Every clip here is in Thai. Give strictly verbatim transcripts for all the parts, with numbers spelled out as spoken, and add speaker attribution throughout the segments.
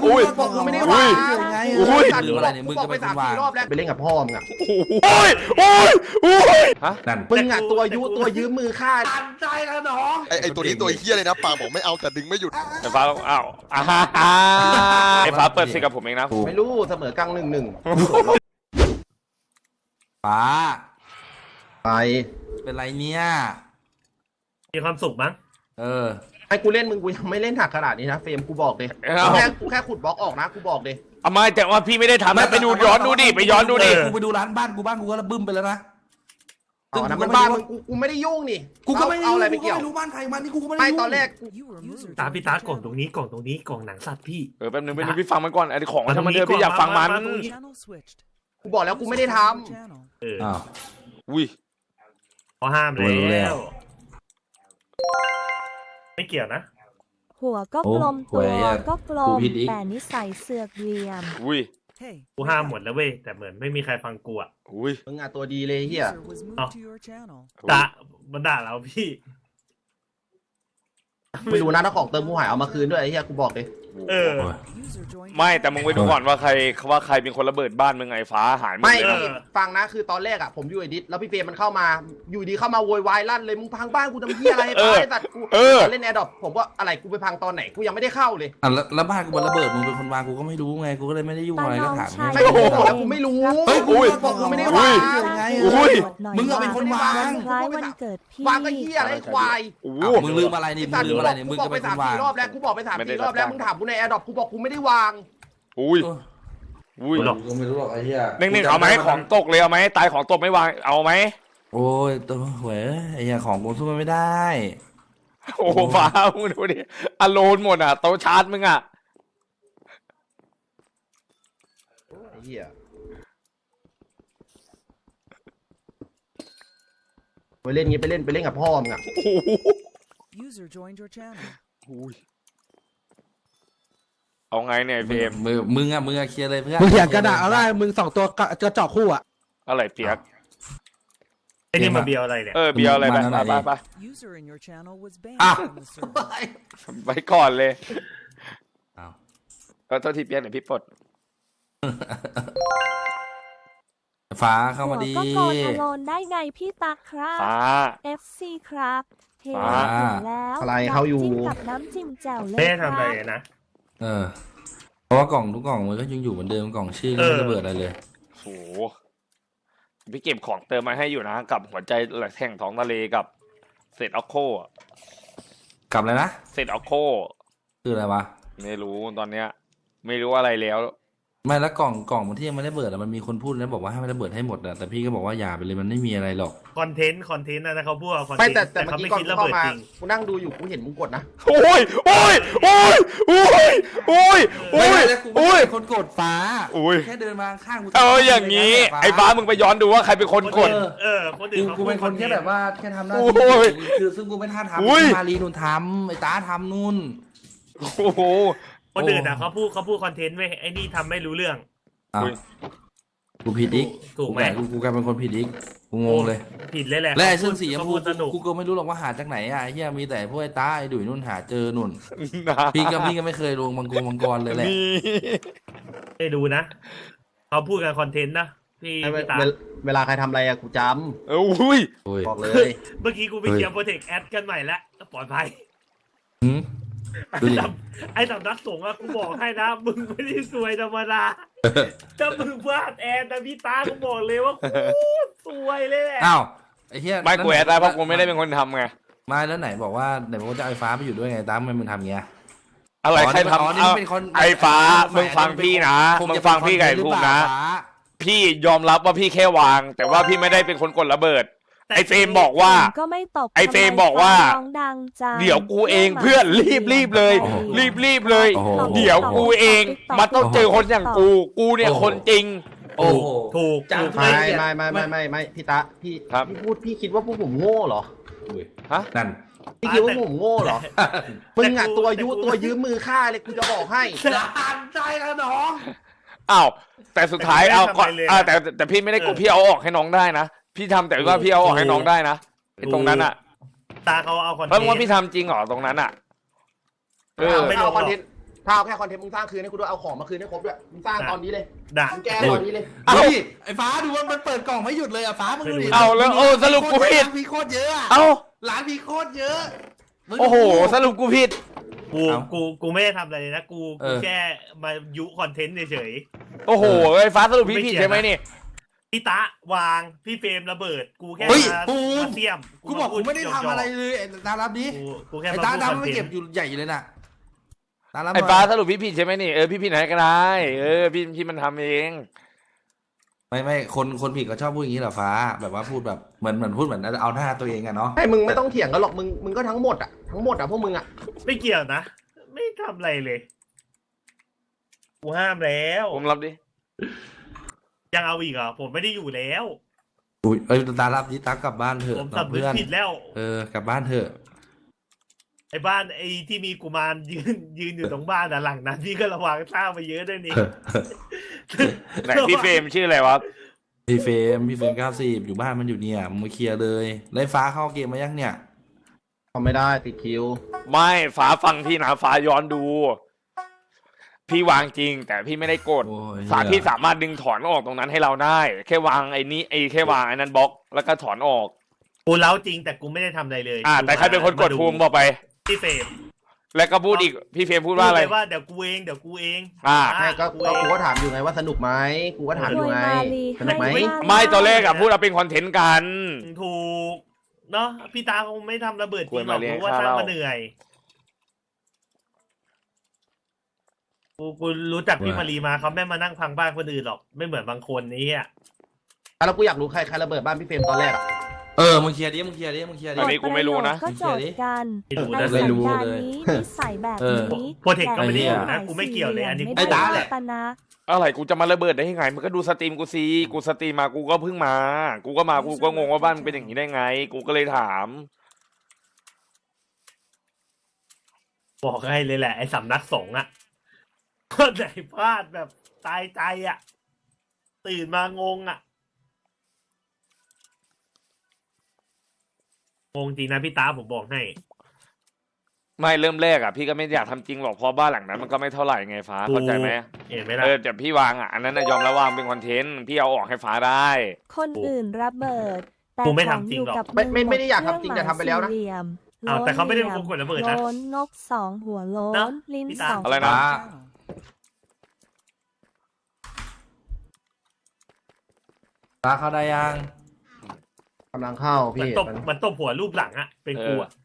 Speaker 1: อุ้ย
Speaker 2: บอกกูไม่ได้
Speaker 1: อุ้
Speaker 2: วาง
Speaker 1: ย
Speaker 2: ไง
Speaker 1: อุ้ย
Speaker 2: ลืมอะไรเนี่ยมึงก็ไปสามสี่รอบแล้วไปเล่นกับพ่อมึงอ่ะ
Speaker 1: โอ้ยโอ้ยโอ้ยฮะ
Speaker 2: นั่นมึงอ่ะตัวยุตัวยืมมือฆ่าตันใจแล้วน้อง
Speaker 3: ไอไอตัวนี้ตัวเฮี้ยเลยนะปากบอกไม่เอาแต่ดึงไม่หยุด
Speaker 1: ไอ้ฟ้าอ้าวอ่าฮ่าฮ่าไอ้ฟ้าเปิดสิกับผมเองนะ
Speaker 2: ไม่รู้เสมอกลางหนึ่งหนึ่ง
Speaker 4: ป้า
Speaker 2: ไป
Speaker 4: เป็นไรเนี่ย
Speaker 5: มีความสุขมั้ง
Speaker 4: เออ
Speaker 2: ไอ้กูเล่นมึงกูยังไม่เล่นหนักขนาดนี้นะเฟรมกูบอกเลย
Speaker 1: เอ้า
Speaker 2: แค่กูแค่ขุดบล็อกออกนะกูบอกเลย
Speaker 1: เอาไม่แต่ว่าพี่ไม่ได้ทำนะไปดูย้อนดูดิไปย้อนดูดิ
Speaker 4: กูไปดูร้านบ้านกูบ้านกูก็ระบึ้มไปแล้วนะ
Speaker 2: อ๋อนะมันบ้านมึงกูกูไม่ได้ยุ่งนี่
Speaker 4: กูก็ไม่
Speaker 2: เอาอะไรไปเกี่ยว
Speaker 4: ไม่รู้บ้านใครมันนี่กูก็ไม่ได้
Speaker 2: ไม่
Speaker 4: ยุ่ง
Speaker 2: ตอนแรกกู
Speaker 5: ตามพี่ตากล่องตรงนี้กล่องตรงนี้กล่องหนังสัตว์พี่
Speaker 1: เออแป๊บนึงแป๊บนึงพี่ฟังมันก่อนไอ้ของมันทำมันเถอะพี่อยากฟังมัน
Speaker 2: กูบอกแล้วกูไม่ได้ท
Speaker 5: เออ
Speaker 4: อ้าว
Speaker 1: อุ้ย
Speaker 5: เขาห้าม
Speaker 4: รู้แล้
Speaker 5: แล้ว ว ไม่เกี่ยวนะ
Speaker 6: หัวก็กลม
Speaker 4: โอ้
Speaker 6: ตั
Speaker 4: หวย
Speaker 6: ว
Speaker 4: อะ
Speaker 6: ก็กล
Speaker 4: กู
Speaker 6: ม
Speaker 4: ผิดอีก
Speaker 6: แต่นิสัยเสือกเหลี่ยม
Speaker 1: อุ้ย
Speaker 5: กูห้ามหมดแล้วเว้ยแต่เหมือนไม่มีใครฟังกูอ่ะ
Speaker 1: อุ้ย
Speaker 2: ำมึงอ่ะตัวดีเลยเฮีย
Speaker 5: ด่ามันด่าเราพี่
Speaker 2: ไม่รู้นะถ้าของเติมกูหายเอามาคืนด้วยไอ้เฮียกูบอกเลย
Speaker 5: เออ
Speaker 4: โอ้ย
Speaker 1: ไม่แต่มึงไปดูก่อนว่าใครว่าใครเป็นคนระเบิดบ้านมึงไอ้ฟ้าหายหมด
Speaker 2: ไม่
Speaker 1: เลย
Speaker 2: พี่ฟังนะคือตอนแรกอ่ะผมอยู่ไอดิสแล้วพี่เฟรมมันเข้ามาอยู่ดีเข้ามาโวยวายลั่นเลยมึงพังบ้านกูทำเฮียอะไรให้ป้าไอ้สัตว์กูเล่นแอร์ดรอปผมว่าอะไรกูไปพังตอนไหนกูยังไม่ได้เข้าเลย
Speaker 4: อ่ะแล้วแล้วบ้านกูมันระเบิดมึงเป็นคนวางกูก็ไม่รู้ไงกูก็เลยไม่ได้ยุ่งอะไรก็ถาม
Speaker 6: ตาน้องชาย
Speaker 2: ไม่กูบอกแล้วกูไม่รู้
Speaker 4: เฮ้ยกู
Speaker 2: อุ้ย
Speaker 4: บอก
Speaker 2: กูไม่ได้
Speaker 4: อุ้
Speaker 2: วาย ง
Speaker 4: ไง
Speaker 1: อุ้ย
Speaker 4: มึงอะเป็นคนวาง
Speaker 6: คล้ายวันเกิดพี่
Speaker 2: วางก็เฮียอะไรควาย
Speaker 1: โอ้โห
Speaker 4: อ้าวมึงลืมอะไรนี่มึงลืมอะไรนี่มึง
Speaker 2: บอก
Speaker 4: ก็
Speaker 2: ไป
Speaker 4: เป็นค
Speaker 2: สาม
Speaker 4: นวา
Speaker 2: สี่
Speaker 4: ง
Speaker 2: รอบแล้วกูบอกไปสามสี่รอบแล้วมึงถามกูในแอร์ดรอปกูบอกกูไม่ได้วาง
Speaker 1: อุ้ยอุ้ย
Speaker 5: หรอก
Speaker 4: กูไม่รู้หรอกไอ้เหี้ย
Speaker 1: หนึ่งหนึ่งเอาไหมของตกเลยเอาไหมตายของตกไม่วางเอาไหม
Speaker 4: โอ้ยตัวหวยไอ้เหี้ยของกูสู้มันไม่ได้
Speaker 1: โอ้โหฟ้ามึงดูดิอโลนหมดอ่ะโต๊ะชาร์จมึงอ่ะ
Speaker 2: ไอ้เหี้ยไปเล่นงี้ไปเล่นไปเล่นกับพ่อมึงอ่ะ
Speaker 1: โอ้โห
Speaker 7: User joined your channel.
Speaker 1: อุ้ยเอาไงเนี่ยไอ้เฟรม
Speaker 4: มึงมึงอะมึงอะเคลียร์เลยเพื่อน
Speaker 8: มึงเถียงกันอะเอาได้มึงสองตัวกระเจาะคู่อะ
Speaker 1: อะไรเปียก
Speaker 5: ไอ้นี่มาเบียวอะไรเนี่ย
Speaker 1: เออเบียร์อะไรไปไปไปไป
Speaker 7: User in your channel was banned
Speaker 4: Ah.
Speaker 7: from the server.
Speaker 1: ไปก่อนเลย
Speaker 4: อ้าว
Speaker 1: เออโทษทีเปียกเดี๋ยวพี่ปลด
Speaker 4: ฟ้าเข้ามาดี
Speaker 6: หัวก็โกนอโลนได้ไงพี่ตาครับ
Speaker 1: ฟ้า
Speaker 6: เอฟ ซี ครับเห็น
Speaker 1: ฟ้า
Speaker 6: ถึงแล้ว
Speaker 2: อะไรเขาอยู่
Speaker 6: น้ำจิ้มกับน้ำจิ้มแจ่วเลย
Speaker 5: ไม่ได้
Speaker 6: ครั
Speaker 5: ทำอะไร
Speaker 6: บ
Speaker 5: นะ
Speaker 4: เออ เพราะว่ากล่องทุกกล่องมันก็ยังอยู่เหมือนเดิมกล่องชื่อก็ไม่ระเบิดอะไรเลย
Speaker 1: โหพี่เก็บของเติมมาให้อยู่นะกับหัวใจแหลกแท่งท้องทะเลกับเศษออกโคอะ
Speaker 4: กลับเลยนะ
Speaker 1: เศษออกโค
Speaker 4: คืออะไรวะ
Speaker 1: ไม่รู้ตอนเนี้ย ไม่รู้อะไรแล้ว
Speaker 4: ไม่แล้วกล่องกล่องมันที่ยังไม่ได้เบิดอะมันมีคนพูดแล้วบอกว่าให้ไม่ได้เบิดให้หมดอะแต่พี่ก็บอกว่าอย่าไปเลยมันไม่มีอะไรหรอก
Speaker 5: คอนเทนต์คอนเทนต์นะนะเขาพูดว่าคอนเท
Speaker 2: ไม่
Speaker 5: นต์
Speaker 2: แต่แต่
Speaker 5: แต่
Speaker 2: เมื่อ
Speaker 5: เขา
Speaker 2: กี้
Speaker 5: ไม่
Speaker 2: ก่อน
Speaker 5: คิด
Speaker 2: กู
Speaker 5: ระ
Speaker 2: เข้า
Speaker 5: เบิด
Speaker 2: มา
Speaker 5: จริง
Speaker 2: กูนั่งดูอยู่กูเห็นมึงกดนะ
Speaker 1: โอ้ยโอ้ยโอ้ยโอ้ยโอ้ยโอ้ย
Speaker 4: แล้วกู
Speaker 1: โอ้ย
Speaker 4: เป็นคนกดฟ้า
Speaker 1: โอ้ย
Speaker 4: แค่เดินมาข้างกู
Speaker 1: เอออย่างนี้ ไอ้ฟ้ามึงไปย้อนดูว่าใครเป็นคนกด
Speaker 5: เออคนอื่
Speaker 4: กู
Speaker 5: นเขา
Speaker 4: กูเป็นคนแค่แบบว่าแค่ทำหน้า
Speaker 1: โอ้
Speaker 4: ที่
Speaker 1: ย
Speaker 4: คือซึ่งกูไม่ท่า
Speaker 1: อุ้ย
Speaker 4: ทำมารีนุ่นทำไอ้ตาทำนู่น
Speaker 1: โอ้โห
Speaker 5: คนอื่นอ่ะเขาพูดเขาพูดคอนเทนต์ไว้ยไอ้นี่ทำไม่รู้เรื่อง
Speaker 4: อ้าว
Speaker 1: อุ้ย
Speaker 4: กูผิดอีก
Speaker 5: ถูกไหม
Speaker 4: กูกูกลายเป็นคนผิดอีกกูงงเลย
Speaker 5: ผิดเลยแหละ
Speaker 4: และไอ้เสื้อสีชม
Speaker 5: เขา
Speaker 4: พู
Speaker 5: พูดสนุก
Speaker 4: กูก็ไม่รู้หรอกว่าหาจากไหนอ่ะไอ้เฮียมีแต่พวกไอ้ตาไอ้ดุยนุ่นหาเจอนุ่น
Speaker 1: นะ
Speaker 4: พี่ก็พี่ก็ไม่เคยลงมังกรมังกรเลยแหละ
Speaker 1: นี่
Speaker 5: ให้ดูนะเขาพูดกันคอนเทนต์นะพี่
Speaker 2: เว
Speaker 5: พี่ตา
Speaker 2: ลาเวลาใครทำอะไรอะกูจ
Speaker 1: เอออุ้ย
Speaker 4: โอ้ย
Speaker 2: ำบอกเลย
Speaker 5: เมื่อกี้กูไปเคลียร์โปรเทคแอดกันใหม่แล้วปลอดภัย
Speaker 4: หืมดูดิ
Speaker 5: ไอ้สำนักสงฆ์อะกูบอกให้นะมึงไม่ได้ซวยธรรมดาถ้ามึงพลาดแอนนะพี่ตากูบอกเลยว่ากูซวยเลยแหละ
Speaker 4: อ้าวไอ้เฮีย
Speaker 1: ไม่กูแอดได้เพราะกูไม่ได้เป็นคนทำไง
Speaker 4: ไม่แล้วไหนบอกว่าไหนบอกว่าจะเอาไอ้ฟ้าไปอยู่ด้วยไงตามทำไมมึงทำเงี้ย
Speaker 1: อะไรใคร
Speaker 4: อ๋อ
Speaker 1: ทำ
Speaker 4: นี่
Speaker 1: เอา
Speaker 4: เป็นคน
Speaker 1: ไอ้ฟ้า
Speaker 4: ไอ้
Speaker 1: มึงฟังพี่นะ
Speaker 4: ค
Speaker 1: มึง
Speaker 4: จะ
Speaker 1: ฟังพี่ไก่
Speaker 4: เป็น
Speaker 1: พูด
Speaker 4: คหรือเป
Speaker 1: นะ
Speaker 4: ล่าฟ้า
Speaker 1: พี่ยอมรับว่าพี่แค่วาง แต่ว่าพี่ไม่ได้เป็นคนกดระเบิด ไอ้เฟรมบอกว่า
Speaker 6: ก็ไม่ตก
Speaker 1: ไอ้เฟรมบอกว่า
Speaker 6: ร้องดังจัง
Speaker 1: เดี๋ยวกูเองเพื่อนรีบรีบเลย
Speaker 4: โอ้โห
Speaker 1: รีบรีบเลย
Speaker 4: โอ้โห
Speaker 1: เดี๋ยวกูเองมันต้องเจอคนอย่างกู กูเนี่ย
Speaker 4: โอ้โห
Speaker 1: คนจริง
Speaker 4: โอ้โห
Speaker 5: ถูก
Speaker 4: จัง
Speaker 5: ถูก
Speaker 2: ไม่
Speaker 5: ไม่
Speaker 2: ไม่ไม่ไม่ไม่ไม่พี่ตาพี่
Speaker 1: ครับ
Speaker 2: พี่พูดพี่คิดว่าพวกผมโง่เหรอ
Speaker 1: ฮะ
Speaker 4: นั่น
Speaker 2: พี่คิดว่าผมโง่เหรอมึงอะตัวยุตัวยืมมือฆ่าเลยกูจะบอกให้
Speaker 4: ตันใจแล้วน้อง
Speaker 1: อ้าวแต่สุดท้ายเอาก่อนอ่าแต่แต่แต่พี่ไม่ได้กดพี่เอาออกให้น้องได้นะพี่ทำแต่ว่าพี่เอาออกให้น้องได้นะไอ้ตรงนั้นอ่ะ
Speaker 5: ตาเขาเอาคอนเทน
Speaker 1: เพราะว่า
Speaker 5: ต์
Speaker 1: พี่ทำจริงเหรอตรงนั้นอ่ะเออ
Speaker 5: ไม่ล
Speaker 2: เอา
Speaker 5: ง
Speaker 2: คอน
Speaker 5: หร
Speaker 2: เท
Speaker 5: อก
Speaker 2: นต์ถ้าเอาแค่คอนเทนต์มึงสร้างคืนให้กูด้วยเอาของมาคืนให้ครบด้วยมึงสร้างตอนนี้เลย
Speaker 5: ด่า
Speaker 2: มึงแก้ตอนนี้เลย
Speaker 4: เอ้าไอ้ฟ้าดูว่ามันเปิดกล่องไม่หยุดเลยอะฟ้ามึงดูดิ
Speaker 1: เอาแล้วโอ้สรุปกูผิด
Speaker 4: มีโคตรเยอะอะ
Speaker 1: เอ้า
Speaker 4: ร้านมีโคตรเยอะมึงดู
Speaker 1: โอ้โหสรุปกูผิด
Speaker 5: กู
Speaker 4: เอ้า
Speaker 5: กูกูไม่ได้ทำอะไรเลยนะกู
Speaker 4: เอ
Speaker 5: กู
Speaker 4: อ
Speaker 5: แค่มายุคอนเทนต์เฉย
Speaker 1: โอ้โหไอ้ฟ้าสรุปพี่ผิดใช่ไหมนี่
Speaker 5: ๆพี่ตะวางพี่เฟรมระเบิด กูแค่
Speaker 4: เฮ้ย
Speaker 5: มา
Speaker 4: ปู
Speaker 5: มาเสี่ยม
Speaker 4: กูบอกกูไม่ได้ทำอะไรเลยไอ้ตาลับนี้
Speaker 5: กูกูแค่
Speaker 4: ไอ้
Speaker 5: มา
Speaker 4: ตา
Speaker 5: พูด
Speaker 4: ดำ
Speaker 5: คอน
Speaker 4: ไม่
Speaker 5: เท
Speaker 4: เก็
Speaker 5: น
Speaker 4: บ
Speaker 5: ต์
Speaker 4: อยู่ใหญ่อยู่เลยน่ะตาลับ
Speaker 1: ไอ้ฟ้าสรุปพี่ผิดใช่ไหมนี่เออพี่ผิดไหนก็ได้เออพี่พี่มันทำเอง
Speaker 4: ไม่ไม่คนคนผิดก็ชอบพูดอย่างนี้เหรอฟ้า แบบว่าพูดแบบเหมือนเหมือนพูดเหมือนเอาหน้าตัวเองอะเนาะ
Speaker 2: ให้มึงไม่ต้องเถียงกันหรอกมึงมึงก็ทั้งหมดอ่ะทั้งหมดอ่ะพวกมึงอ่ะ
Speaker 5: ไม่เกี่ยวนะ ไม่ทำอะไรเลย กูห้ามแล้ว
Speaker 1: ผมรับดิ
Speaker 5: ยังเอาอีกเหรอผมไม่ได้อยู่แล้ว
Speaker 4: อุ้ยเอ้ยตาลับนี้ตักกลับบ้านเถอะ
Speaker 5: ผม
Speaker 4: กับ
Speaker 5: สำนึก
Speaker 4: เพื่อน
Speaker 5: ผิดแล้ว
Speaker 4: เออกลับบ้านเถอะ
Speaker 5: ไอ้บ้านไอ้ที่มีกุมารยืนยืนอยู่ตรงบ้านอ่ะหลังนั้นพี่ก็ระวังสร้างไปเยอะด้วยนี่
Speaker 1: ไหนพี่เฟรมชื่ออะไรวะ
Speaker 4: พี่เฟรมพี่เฟรมเก้าสิบอยู่บ้านมันอยู่เนี่ยมึงมาเคลียร์เลยไล่ฟ้าเข้าเกมมายังเนี่ย
Speaker 2: ทำไม่ได้ติดคิว
Speaker 1: ไม่ฟ้าฟังพี่นะฟ้าย้อนดู พี่วางจริง แต่พี่ไม่ได้กด
Speaker 4: โอ้ย
Speaker 1: ฟ้าพี่สามารถดึงถอนออกตรงนั้นให้เราได้ แค่วางไอ้นี้ไอ้แค่วางไอ้นั้นบล็อกแล้วก็ถอนออก
Speaker 5: กูเล้าจริงแต่กูไม่ได้ทำอะไรเลย
Speaker 1: อ่า แต่ใครเป็นคนกดภูมิบอกไป
Speaker 5: พี่เฟรม
Speaker 1: แล้วก็พูดอีกพี่เฟรมพูดว่าอะไร
Speaker 5: พูเลยว่าเดี๋ยวกูเองเดี๋ยวกูเอง
Speaker 1: อ่า
Speaker 2: ใช่ก็
Speaker 5: กู
Speaker 2: ก็
Speaker 5: เอง
Speaker 2: กูก็ถามอยู่ไงว่าสนุกไหมกูก็ถามอยู่ไง
Speaker 6: รวยมาลี
Speaker 2: สนุกไหม
Speaker 6: ให้
Speaker 1: ไม่ตอนแรกอะพูดเอาเป็นคอนเทนต์กัน
Speaker 5: ถูกเนาะพี่ตาคงไม่ทำระเบิดจริงหรอก
Speaker 1: ควรมาเลี้ยง
Speaker 5: รู้ว่าสร้าง
Speaker 1: ข้าว
Speaker 5: มาเหนื่อยกูกูรู้จักพี่มารีมาเขาไม่มานั่งพังบ้านคนอื่นหรอกไม่เหมือนบางคนนี้อ่ะ
Speaker 2: แล้วกูอยากรู้ใครใครระเบิดบ้านพี่เฟรมตอนแรกอ่ะ
Speaker 4: เออมึงเคลียร์ดิมึงเคลียร์ดิมึงเคลียร์ดิ
Speaker 1: อันนี้กูไม่รู้นะ
Speaker 6: ก็จดกัน
Speaker 5: ไม่รู้
Speaker 6: ใน
Speaker 5: นะ
Speaker 6: สั
Speaker 4: ไม่
Speaker 6: ญ
Speaker 4: รู้
Speaker 6: ญาณ
Speaker 4: เลย
Speaker 6: นี้นิสัยแบบ
Speaker 4: เออ
Speaker 6: นี้
Speaker 5: โปรเทคก็ไม่ได้อยู่
Speaker 4: ไอ้
Speaker 5: นะ
Speaker 4: เหี้ย
Speaker 5: กูไม่เกี่ยวเลยอันนี้
Speaker 6: ไม่
Speaker 4: ไอ้
Speaker 6: ได้
Speaker 4: ตาแหละ
Speaker 6: รัตนะ
Speaker 1: อะไรกูจะมาระเบิดได้ยังไงมึงก็ดูสตรีมกูสิกูสตรีมมากูก็เพิ่งมา กูก็มากูก็งงว่าบ้านมันเป็นอย่างนี้ได้ไง กูก็เลยถาม
Speaker 5: บอกให้เลยแหละไอ้สำนักสงฆ์อะคนไหนพลาดแบบตายใจอะตื่นมางงอะงงจริงนะพี่ตาผมบอกให้
Speaker 1: ไม่เริ่มแรกอ่ะพี่ก็ไม่อยากทำจริงหรอกเพราะบ้านหลังนั้นมันก็ไม่เท่าไหร่ไงฟ้าเข้าใจไหม
Speaker 5: เห็นไหมล่ะ
Speaker 1: เออแต่พี่วางอ่ะอันนั้นนะยอมแล้ววางเป็นคอนเทนต์พี่เอาออกให้ฟ้าได้
Speaker 6: คนอื่นระเบิด แต่
Speaker 5: กูไม่
Speaker 6: ของ
Speaker 5: ทำจริ
Speaker 6: อง ยู่
Speaker 5: หรอก
Speaker 6: กับ
Speaker 2: ไม่ไม่
Speaker 6: ง
Speaker 2: ไม่ได้อยากทำจริงแต่ทำไปแล้วนะ
Speaker 6: เครื่องหมายสี่เหลี่ยม
Speaker 5: อ้าวแต่เขาไม่ได้เป็นคนกดระเบิดนะ
Speaker 6: โล้นนกสองหัวโล้น
Speaker 5: เนอะ
Speaker 6: ลิ้น
Speaker 5: พี่ตา
Speaker 6: สอง
Speaker 1: อะไรนะ
Speaker 4: ฟ้า ฟ้าเข้าได้ยัง
Speaker 2: กำลังเข้า
Speaker 5: มัน
Speaker 2: พี่
Speaker 5: ตบมันตบหัวรูปหลังอะเป็นกูอะ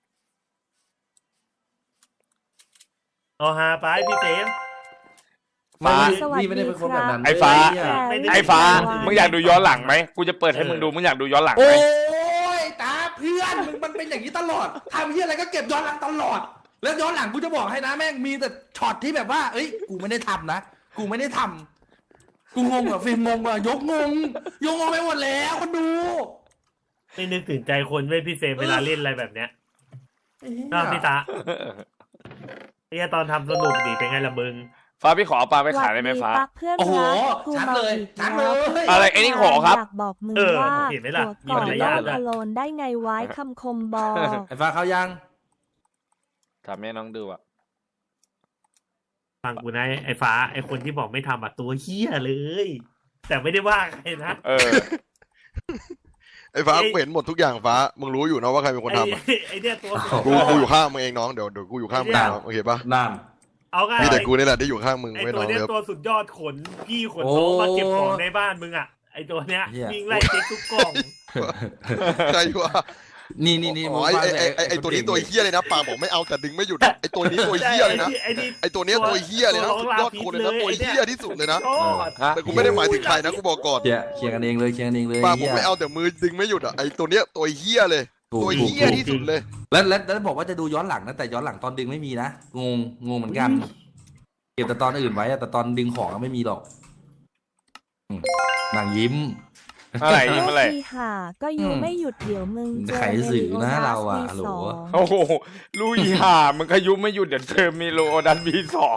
Speaker 5: เอาฮาไปพี่เฟรม
Speaker 1: ฟ้า
Speaker 6: สวัส
Speaker 4: พี่ไม่ได้
Speaker 6: ดี
Speaker 4: เป็นคน
Speaker 6: ค
Speaker 4: แบบ
Speaker 6: รับ
Speaker 4: นั้น
Speaker 1: ไอ้ฟ้า
Speaker 4: เว้ย
Speaker 5: ไม่ได้
Speaker 1: ไอ้ฟ้า
Speaker 6: ไม่ได้
Speaker 1: มึงอยากดูย้อนหลังไหมกูจะเปิดให้มึงดูมึงอยากดูย้อนหลัง
Speaker 4: โอ้
Speaker 1: ไหม
Speaker 4: ยตาเพื่อนมึงมันเป็นอย่างนี้ตลอดทำเหี้ยอะไรก็เก็บย้อนหลังตลอด แล้วย้อนหลังกูจะบอกให้นะแม่งมีแต่ช็อตที่แบบว่า เอ้ยกูไม่ได้ทำนะกูไม่ได้ทำกูงงอ่ะฟิล์มงงอ่ะยกงงยกงงไปหมดแล้วคนดู
Speaker 5: ไม่นึกถึงใจคนเว้ยพี่เฟรมเวลาเล่นอะไรแบบเนี้ยน่าพี่ตาไอ้ตอนทำสนุกดีเป็นไงล่ะมึง
Speaker 1: ฟ้าพี่ขอเอาปลาไปขายได้ไหมฟ้า
Speaker 6: สวัสดีปักเพื่อน
Speaker 4: โอ้โห
Speaker 6: รักครู
Speaker 4: ชัด
Speaker 6: มา
Speaker 4: เลย
Speaker 6: อีก
Speaker 4: ชัด
Speaker 6: แล้
Speaker 4: เล
Speaker 6: วย
Speaker 1: อะไรไอ้นี่ขอครับ
Speaker 6: อยากบอกมึง
Speaker 5: เออ
Speaker 6: ว่า
Speaker 5: เห็นไหมล่ะ
Speaker 6: หัวก่อน
Speaker 5: มีมาร
Speaker 6: โล
Speaker 5: ยาท
Speaker 6: กอโลนได้ไงไว้คำคมบอก
Speaker 4: ไอ้ฟ้าเขายัง
Speaker 1: ถามแม่น้องดูอ่ะ
Speaker 5: ฟังกูนะไอ้ฟ้าไอ้คนที่บอกไม่ทำอ่ะตัวเฮี้ยเลย แต่ไม่ได้ว่าใครนะ
Speaker 1: เออ
Speaker 3: ไอ้ฟ้ากูเห็นหมดทุกอย่างฟ้ามึงรู้อยู่นะว่าใครเป็นคน
Speaker 5: ไอ้
Speaker 3: ทำอะ
Speaker 5: ไอ้เนี่ยตัว
Speaker 3: กูกูอยู่ข้างมึงเองน้องเดี๋ยวเดี๋ยวกูอยู่ข้างมึงน้องโอเคปะ
Speaker 4: นั่น
Speaker 5: เอาง่าย
Speaker 3: มีแต่กูนี่แหละที่อยู่ข้างมึง
Speaker 5: ไอ้
Speaker 3: ไว้
Speaker 5: ตั
Speaker 3: น้
Speaker 5: ว
Speaker 3: อง
Speaker 5: เนี้ย
Speaker 3: เลิฟ
Speaker 5: ตัวสุดยอดขนพี่ขน
Speaker 4: โอ้
Speaker 5: โต๊ะมาเก็บของในบ้านมึงอ่ะไอ้ตัวเนี้ย
Speaker 4: เหี้ย
Speaker 5: วิ่งไล่เช็คทุกกล่อง
Speaker 3: ใครวะ
Speaker 4: นี่นี่นี่
Speaker 3: อ๋อไอ้ไอ้ไอ้ไอ้ตัวนี้ตัวเฮี้ยเลยนะปากบอกไม่เอาแต่ดึงไม่หยุดอะไอ้ตัวนี้ตัวเฮี้ยเลยนะ
Speaker 5: ไอ้นี่
Speaker 3: ไอ้ตัวเนี้ยตัวเฮี้ยเลยนะสุดยอดคนเลยนะตัวเฮี้ยที่สุดเลยนะ
Speaker 5: ยอด
Speaker 1: ฮะ
Speaker 3: แต่กูไม่ได้หมายถึงใครนะกูบอกก่อน
Speaker 4: เคลียร์เคลียร์กันเองเลยเคลียร์กันเองเลย
Speaker 3: ปากบอ
Speaker 4: เหี้
Speaker 3: ก
Speaker 4: ย
Speaker 3: ไม่เอาแต่มือดึงไม่หยุดอะไอ้ตัวเนี้ยตัวเฮี้ยเลย
Speaker 4: ถูก
Speaker 3: ตัว
Speaker 4: ถูก
Speaker 3: เฮี้ยที่สุดเลย
Speaker 4: แล้วแล้วแล้วบอกว่าจะดูย้อนหลังนะแต่ย้อนหลังตอนดึงไม่มีนะงงงงเหมือนกันเก็บแต่ตอนอื่นไว้อะแต่ตอนดึงของอะไม่มีหรอกอืมนางยิ้ม
Speaker 1: อะไรยิ้มอะไร
Speaker 6: ที่หาก็อยู่
Speaker 4: อืม
Speaker 6: ไม่หยุดเดี๋ยวมึงเจอ
Speaker 4: ไขสื่อนะเราอะ
Speaker 6: มี
Speaker 4: ฮัลโหล
Speaker 6: สอง
Speaker 1: โอ้โหลุยห่ามึงขยุไม่หยุดเดี๋ยวเจอมีโลดันบีสอง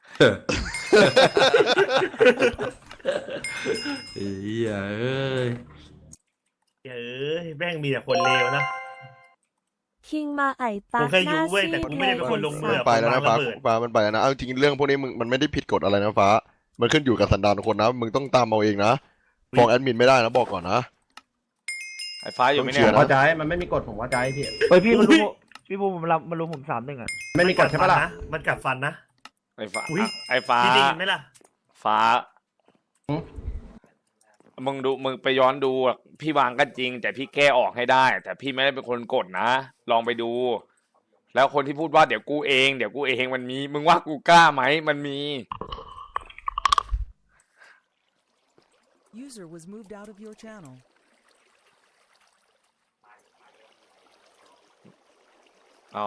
Speaker 4: เอ้ยเอ้ย
Speaker 5: เอ้ยแม่งมีแต่คนเลวนะ
Speaker 6: คิงมาไอตา
Speaker 5: กูแค่
Speaker 6: ห
Speaker 5: ยุ
Speaker 6: น้า
Speaker 5: เว้ย
Speaker 6: ซี
Speaker 5: แต่
Speaker 6: ด
Speaker 5: กูไม่ได้เป็นคนลงมือ
Speaker 3: มันไปแล้วนะฟ้าฟ้ามันไปแล้วนะเอาจริงเรื่องพวกนี้มึงมันไม่ได้ผิดกฎอะไรนะฟ้า มันขึ้นอยู่กับสันดานของคนนะ มึงต้องตามเอาเองนะฟ้องแอดมินไม่ได้นะบอกก่อนนะ
Speaker 1: ไอ้ฟ้าอยู่ไหม
Speaker 3: ต้
Speaker 1: เนี่
Speaker 3: อง
Speaker 1: ย
Speaker 3: เขียน
Speaker 2: เข้าใจมันไม่มีกฎผมเข้าใจพี่
Speaker 9: เฮ้ยพี่มารู้พี่บูผมรับมารู้ผมสามหนึ่งอ่ะ
Speaker 2: ไม่มีกฎใช่ปะล่ะ
Speaker 5: มันกัดฟันนะ
Speaker 1: ไอ้ฟ้า
Speaker 5: อุ๊ย
Speaker 1: ไอ้ฟ้า
Speaker 5: พี่ได้ยินไหมล่ะ
Speaker 1: ฟ้า
Speaker 2: หืม
Speaker 1: มึงดูมึงไปย้อนดูอะพี่วางก็จริง แต่พี่แก้ออกให้ได้ แต่พี่ไม่ได้เป็นคนกดนะ ลองไปดู แล้วคนที่พูดว่าเดี๋ยวกูเองเดี๋ยวกูเองมันมี มึงว่ากูกล้าไหมมันมี
Speaker 7: User was moved out of your channel.
Speaker 1: อ้าว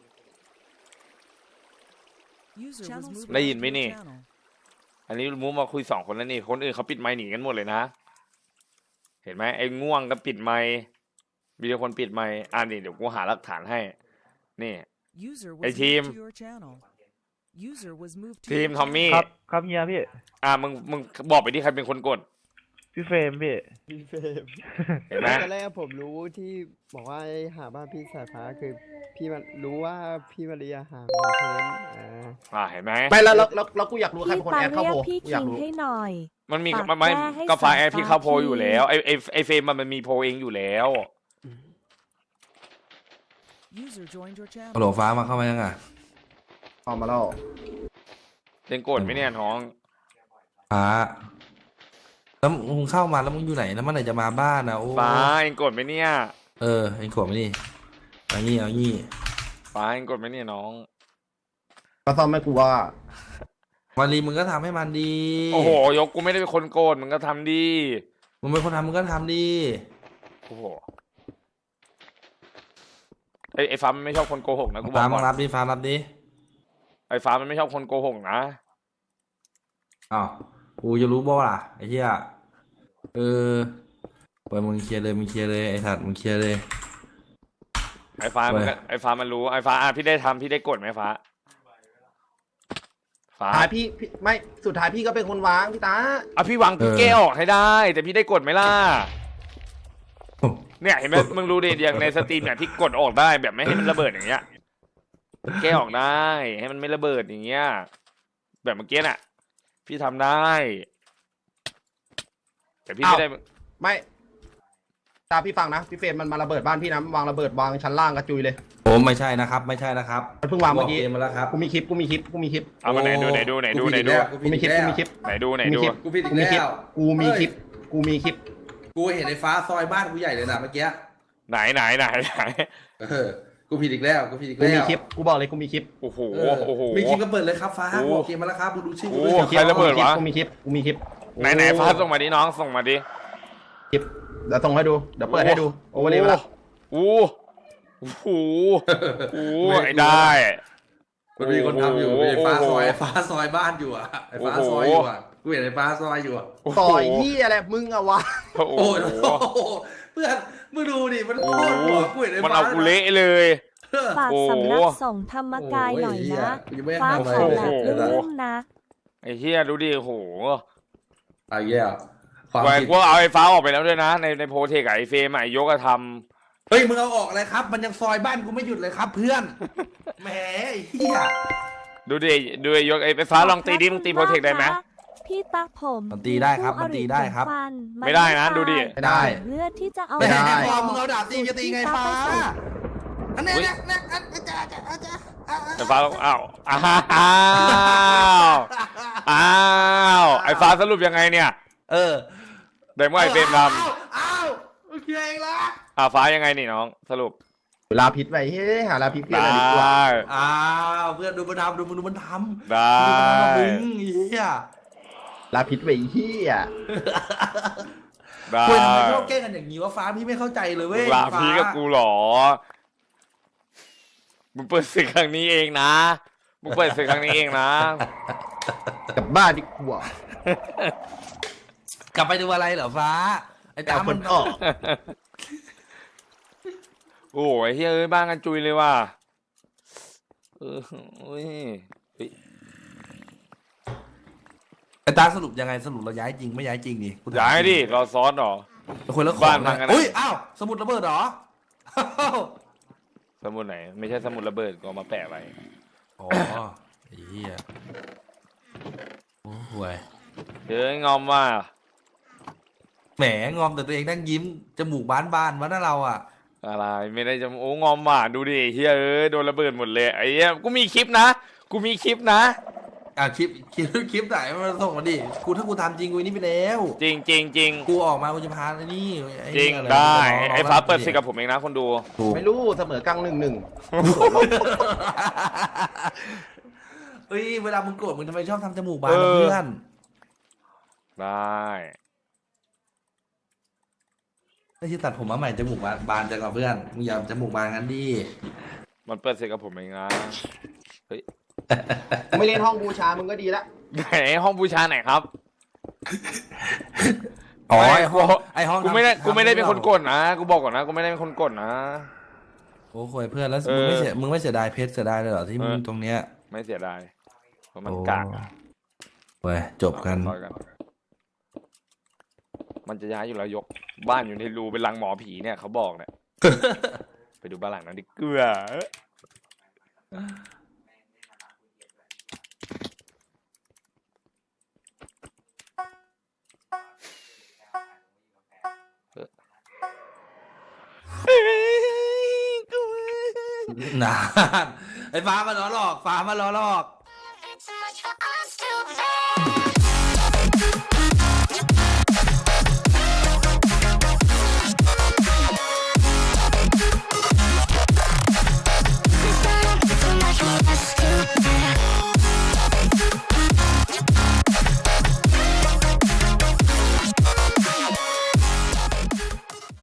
Speaker 7: User was moved
Speaker 1: ได้
Speaker 7: out
Speaker 1: ยิน
Speaker 7: of
Speaker 1: ไหม
Speaker 7: your
Speaker 1: นี่
Speaker 7: channel.
Speaker 1: อันนี้มูมาคุยสองคนแล้วนี่ คนอื่นเขาปิดไมค์หนีกันหมดเลยนะ เห็นไหมไอ้ง่วงก็ปิดไมค์มีแต่คนปิดไมค์อ่านี่เดี๋ยวกูหาหลักฐานให้ นี่
Speaker 7: User was
Speaker 1: Hey,
Speaker 7: moved
Speaker 1: team.
Speaker 7: to your channel. User was moved to
Speaker 1: ทีม
Speaker 7: your
Speaker 1: ทอมมี่
Speaker 9: ครับครับเฮียพี่
Speaker 1: อ่ามึงมึงบอกไปที่ใครเป็นคนกด
Speaker 9: พี่เฟรมพี่
Speaker 10: พี่เฟรม
Speaker 1: เห็นไหม
Speaker 10: ตอนแรกผมรู้ที่บอกว่าให้หาบ้านพี่สายฟ้าคือพี่มันรู้ว่าพี่มาเรียหาคอนเทนต์อ่า
Speaker 1: อ่าเห็นไหม
Speaker 2: ไม่แล้วแล้วแล้วแล้วกูอยากรู้ใคร
Speaker 6: พี่
Speaker 2: เป็นคน
Speaker 6: ตา
Speaker 2: แอดเข้า
Speaker 6: เรีย
Speaker 2: โพ
Speaker 6: กพี่
Speaker 2: กูอยา
Speaker 6: คิ
Speaker 2: ก
Speaker 6: ง
Speaker 2: รู้
Speaker 6: ให้หน่อย
Speaker 1: มันมี
Speaker 6: ปาก
Speaker 1: มันไม่
Speaker 6: แก้ให้
Speaker 1: ก็ฟ้า
Speaker 6: สาย
Speaker 1: แอร์พี่
Speaker 6: ฟ้า
Speaker 1: เข้าโพล
Speaker 6: ที
Speaker 1: อยู่แล้วไอไอไอเฟรมมันมันมีโพลเองอยู่แล้ว
Speaker 7: User joined your
Speaker 4: ฮัลโหล
Speaker 7: channel.
Speaker 4: ฟ้ามาเข้ามายังอ่ะ
Speaker 2: ออกมาแล้ว
Speaker 1: เล่นกดไหมเนี่ยน้อง
Speaker 4: ฟ้าแล้วมึงเข้ามาแล้วมึงอยู่ไหนแล้วเมื่อไหร่จะมาบ้านนะโอ้
Speaker 1: ฟ้าเองกดไหมเนี่ย
Speaker 4: เออเอ็งขวบไหมนี่เอางี้เอางี้
Speaker 1: ฟ้าเองกดไหมเนี่ยน้อง
Speaker 2: ก็ซ่อมให้กูว่า
Speaker 4: วันรีมึงก็ทำให้มันดี
Speaker 1: โอ้โหยกกูไม่ได้เป็นคนโกดมึงก็ทำดี
Speaker 4: มึงเป็นคนทำมึงก็ทำดี
Speaker 1: โอ้โหไอไอฟ้ามันไม่ชอบคนโกหกนะกูบอ
Speaker 4: ฟ้าก
Speaker 1: ก่
Speaker 4: มา
Speaker 1: อน
Speaker 4: รับดิฟ้ารับดิ
Speaker 1: ไอฟ้ามันไม่ชอบคนโกหกนะ
Speaker 4: อ้าวกูจะรู้บ่ล่ะไอ้เหี้ยเออปล่อยมึงเคลียร์เลยมึงเคลียร์เลยไอ้สัตว์มึงเคลียร์เลย
Speaker 1: ไอฟ้ามันก็ไอฟ้ามันรู้ไอฟ้าอ่ะพี่ได้ทำพี่ได้กดไหมฟ้าฟ้า
Speaker 2: ท้ายพี่พี่ไม่สุดท้ายพี่ก็เป็นคนวางพี่ตา
Speaker 1: อ่ะพี่วางพี่แก้ออกให้ได้ แต่พี่ได้กดไหมล่ะ เนี่ยเห็นไหมมึงรู้ดิอย่างในสตรีมเนี่ยที่กดออกได้แบบไม่ให้มันระเบิดอย่างเงี้ยแก้ออกได้ให้มันไม่ระเบิดอย่างเงี้ยแบบเมื่อกี้น่ะ พี่ทำได้ แต่พี่ไม่ได้
Speaker 2: ไม่ตาพี่ฟังนะพี่เฟรมมันมาระเบิดบ้านพี่นะมันวางระเบิดวางชั้นล่างกระจุยเลย
Speaker 4: โอ้ไม่ใช่นะครับไม่ใช่นะครับ
Speaker 2: มันเพิ่งวางเมื่อกี้
Speaker 4: บกเกมมาแล้วครับ
Speaker 2: กูมีคลิปกูมีคลิปกูมีคลิป
Speaker 1: เอามาไหนดูไหนดูไหนดูไหนดู
Speaker 2: กูมีคลิปกูมีคลิป
Speaker 1: ไหนดูไหน
Speaker 2: กูมี
Speaker 1: ดู
Speaker 2: คลิป
Speaker 4: กูผิดอี
Speaker 2: กู
Speaker 4: ก
Speaker 2: มีคลิป
Speaker 4: แล้ว
Speaker 2: กูมีคลิปกูมีคลิป
Speaker 4: กูเห็นไอ้ฟ้าซอยบ้านกูใหญ่เลยนะเมื่อกี้
Speaker 1: ไหนไหนไหนไหน
Speaker 4: เออกูผิดอีกแล้วกูผิดอีก
Speaker 2: กู
Speaker 4: แล้ว
Speaker 2: มีคลิปกูบอกเลยกูมีคลิป
Speaker 1: โอ้โห
Speaker 4: เออ
Speaker 1: โอ้โห
Speaker 4: มีคลิปก็เปิดเลยครับฟ้า
Speaker 1: โอ้
Speaker 4: บอกเกมมาแล้วครับกูดูชื่อกู
Speaker 1: โอ้
Speaker 4: ด้วย
Speaker 1: ใครระเบิดวะ
Speaker 2: กูมีคลิปกูมีคลิป
Speaker 1: ไหนไหนฟ้าส่งมาดิน้องส่งมาดิ
Speaker 2: คลิปเดี๋ยวส่งให้ดูเดี๋ยวเปิดให้ดูโอเวอร์เลยไปแล้ว
Speaker 1: โอ้โอ้โหโอ้โหไอ้ได้
Speaker 4: มันมีคนทำอยู่
Speaker 1: โอ้โห
Speaker 4: ไอ้ฟ้าซอยไอ้ฟ้าซอยบ้านอยู่อ่ะไอ้ฟ้า
Speaker 1: โอ้โห
Speaker 4: ซอยอยู่อ่ะกูเห็นไอ้ฟ้าซอยอยู่อ่ะ
Speaker 2: ต่อยที่อะไรมึงอะวะ
Speaker 1: โอ้โห
Speaker 4: โอ้โหเพื่อนมึงดูดิมันโคตรหัวกูเห็นไอ้
Speaker 1: มัน
Speaker 4: ฟ้า
Speaker 1: เอากูเละเลย
Speaker 6: ฝาก
Speaker 1: โอ้โห
Speaker 6: สำนักส่งธรรมกายหน่อยนะ
Speaker 4: กูยังไม่ได้
Speaker 6: ฟ้า
Speaker 4: ทำอะไร
Speaker 6: ขอ
Speaker 4: เลย
Speaker 6: แบบ
Speaker 1: โอ้โห
Speaker 6: รุ่มๆนะ
Speaker 1: ไอ้เฮียดูดิโอ้โห
Speaker 4: ไอ้เหี้ยความ
Speaker 1: ไว้
Speaker 4: ผิด
Speaker 1: กูเอาไอ้ฟ้าออกไปแล้วด้วยนะ ในในโพเทคกับไอ้เฟรมอะไอ้ยกกระท
Speaker 4: เฮ้ยมึงเอาออกอะไรครับ มันยังซอยบ้านกูไม่หยุดเลยครับ เพื่อนแหมไอ้เหี้ย
Speaker 1: ำดูดิดูไอ้ยกไอ้ฟ้าลองตีดิมึงตีโพเทคได้ไหม
Speaker 6: พี่ตักผม
Speaker 4: มันตีได้ครับมันตีได้ครับ
Speaker 6: ฟัน
Speaker 1: ไม่ได้นะดูดิ
Speaker 2: ไม่ได้
Speaker 6: เลือดที่จะเอา
Speaker 4: ไม่
Speaker 2: ได้
Speaker 4: ให้พอมึงเอาดาบตีจะตีไงฟ้าอันนี้เนี่ยเนี่ยอันนี้จะจะจะ
Speaker 1: ไอ้ฟ้าลองอ้าวอ้าวอ้าวไอ้ฟ้าสรุปยังไงเนี่ย
Speaker 4: เออ
Speaker 1: ได้เมื่อไอ้เฟรมท
Speaker 4: อ้าวอ้าวโอเคเองละ
Speaker 1: ำอ่าฟ้ายังไงนี่น้องสรุป
Speaker 2: ลาพิษไปเฮ้ยหาลาพิษเพื่อน
Speaker 1: ได
Speaker 2: อะไรดีกว่า
Speaker 1: ้
Speaker 4: อ้าวเพื่อนดูมันทำดูมันดูมันทำ
Speaker 1: ได้
Speaker 4: ดูมันทำมึงเหี้ย
Speaker 2: ลาพิษไปเฮีย
Speaker 1: ได้
Speaker 4: คุยทำไมพวกแกล้งกันอย่างนี้วะฟ้าพี่ไม่เข้าใจเลย
Speaker 1: มึ
Speaker 4: เว้
Speaker 1: ง
Speaker 4: ย
Speaker 1: ลาพีกับกูเหรอมึงเปิดศึกครั้งนี้เองนะมึงเปิดศึกครั้งนี้เองนะ
Speaker 2: กลับบ้านดีกว่า
Speaker 4: กลับไปดูอะไรเหรอฟ้าไอ้
Speaker 2: แต่
Speaker 4: ตา
Speaker 2: เอาค
Speaker 4: มัน
Speaker 2: นออก
Speaker 1: โอ้ยเฮ้ยเอ้ยบ้านกันจุยเลยว่ะเออโอ้ยเฮ้ย
Speaker 4: ไอ้ตาสรุปยังไงสรุปเราย้ายจริงไม่ย้ายจริงนี่กูถม
Speaker 1: ย้ายดิรอซ้อนเหรอ
Speaker 4: คนละของ
Speaker 1: บ้านพังกันนะ
Speaker 4: อุ้ยอ้าวสมุดระเบิดเหรออ้าว
Speaker 1: สมุดไหน ไม่ใช่สมุดระเบิดก็เอามาแปะไว้
Speaker 4: อ๋อไอ้เหี้ยโอ้ห่วย
Speaker 1: เฮ้ยงอมว่า
Speaker 4: แหมงอมแต่ตัวเองนั่งยิ้มจมูกบานบานๆวะน่าเราอ่ะ
Speaker 1: อะไรไม่ได้จะโอ้งอมว่ะดูดิเฮียเอ้ยโดนระเบิดหมดเลยไอ้เหี้ยกูมีคลิปนะกูมีคลิปนะ
Speaker 4: อ่ะคลิปคลิปคลิปไหนมาส่งมาดิกูถ้ากูทำจริงกูนี่ไปแล้ว
Speaker 1: จริงจริงจริง
Speaker 4: กูออกมากูจะพาไอ้นี่อ้
Speaker 1: จริง
Speaker 4: อะ
Speaker 1: ได้
Speaker 4: น้งๆ
Speaker 1: ไอ้ฟ้า
Speaker 4: น้งๆ
Speaker 1: เปิดสิกับผมเองนะคนดู
Speaker 4: ถูก
Speaker 2: ไม่รู้เสมอกลางหนึ่งหนึ่ง
Speaker 4: เฮ้ยเวลามึงโกรธมึงทำไมชอบทำจมูกบานกับเพื่อน
Speaker 1: ได้
Speaker 4: ไม่ใช่ตัดผมมาใหม่จมูกบานบานจังกับเพื่อนมึงอย่าจมูกบานงั้นดิ
Speaker 1: มันเปิดสิกับผมเองนะ
Speaker 2: ไม่เล่นห้องบูชามึงก็ดีละ
Speaker 1: ไหนห้องบูชาไหนครับ
Speaker 4: อ๋อ
Speaker 1: ไม่
Speaker 4: ไอห้องไอห้อง
Speaker 1: กูไม่ได้
Speaker 4: ทำ
Speaker 1: กูไม่ได้เป็น
Speaker 4: ทำ
Speaker 1: คนกดนะกูบอกก่อนนะกูไม่ได้เป็นคนกดนะ
Speaker 4: โอ้โหเพื่อนแล้ว
Speaker 1: เออ
Speaker 4: มึงไม่เสียมึงไม่เสียดายเพชรเสียดายเลยเหรอที่มึง
Speaker 1: เออ
Speaker 4: ตรงเนี้ย
Speaker 1: ไม่เสียดายเพราะมัน
Speaker 4: โอ้
Speaker 1: กากอะ
Speaker 4: เว้ยจบกัน
Speaker 1: ต่อยกันมันจะย้ายอยู่แล้วยกบ้านอยู่ในรูเป็นรังหมอผีเนี่ยเขาบอกเนี่ย ไปดูบ้านหลังนั้นดิเกลือเอ้ยกู
Speaker 4: นานไอ้ฟ้ามาล้อหลอกฟ้ามาล้อหลอก